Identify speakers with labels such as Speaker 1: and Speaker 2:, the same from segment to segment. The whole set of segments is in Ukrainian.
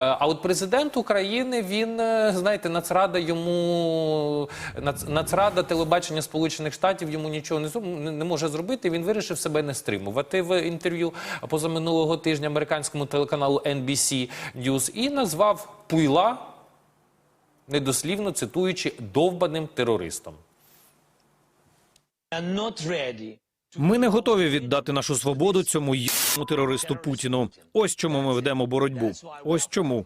Speaker 1: А от президент України, він, знаєте, Нацрада телебачення Сполучених Штатів йому нічого не може зробити. Він вирішив себе не стримувати в інтерв'ю позаминулого тижня американському телеканалу NBC News і назвав Пуйла, недослівно цитуючи, довбаним терористом.
Speaker 2: Ми не готові віддати нашу свободу цьому єбаному терористу Путіну. Ось чому ми ведемо боротьбу. Ось чому.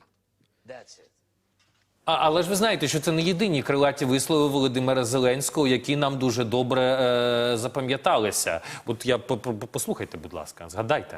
Speaker 1: Але ж ви знаєте, що це не єдині крилаті вислови Володимира Зеленського, які нам дуже добре запам'яталися. От послухайте, будь ласка, згадайте.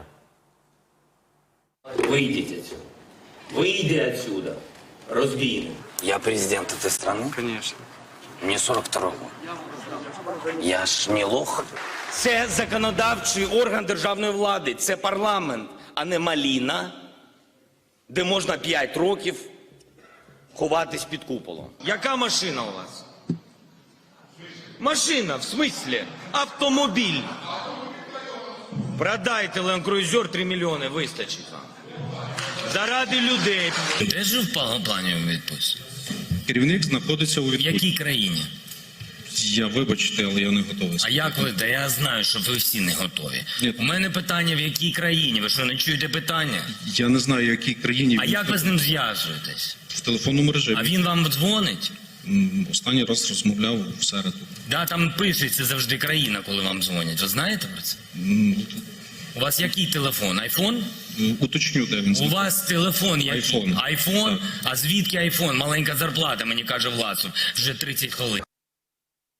Speaker 3: Выйдите отсюда. Выйди отсюда. Разбийник.
Speaker 4: Я президент этой страны?
Speaker 5: Конечно.
Speaker 4: Мне 42 год. Я ж не лох.
Speaker 3: Це законодавчий орган державної влади. Це парламент, а не маліна, де можна 5 років ховатись під куполом. Яка машина у вас? Машина, в смислі? Автомобіль. Продайте Land Cruiser 3 мільйони, вистачить вам. Заради людей.
Speaker 6: Де ж в плані відпустці?
Speaker 5: Керівник знаходиться у
Speaker 6: В
Speaker 5: відпустці.
Speaker 6: якій країні?
Speaker 5: Я, вибачте, але я не готовий.
Speaker 6: А як ви? Та я знаю, що ви всі не готові.
Speaker 5: Ні.
Speaker 6: У мене питання, в якій країні? Ви що, не чуєте питання?
Speaker 5: Я не знаю, в якій країні.
Speaker 6: А як ви з ним зв'язуєтесь?
Speaker 5: В телефонному режимі.
Speaker 6: А він вам дзвонить?
Speaker 5: Останній раз розмовляв в середу.
Speaker 6: Да, там пишеться завжди країна, коли вам дзвонять. Ви знаєте про це? У вас який телефон? Айфон?
Speaker 5: Уточню, де він
Speaker 6: У
Speaker 5: знаходиться.
Speaker 6: вас телефон який?
Speaker 5: Айфон.
Speaker 6: Айфон?
Speaker 5: Так.
Speaker 6: А звідки айфон? Маленька зарплата, мені каже Власов. Вже 30 хвилин.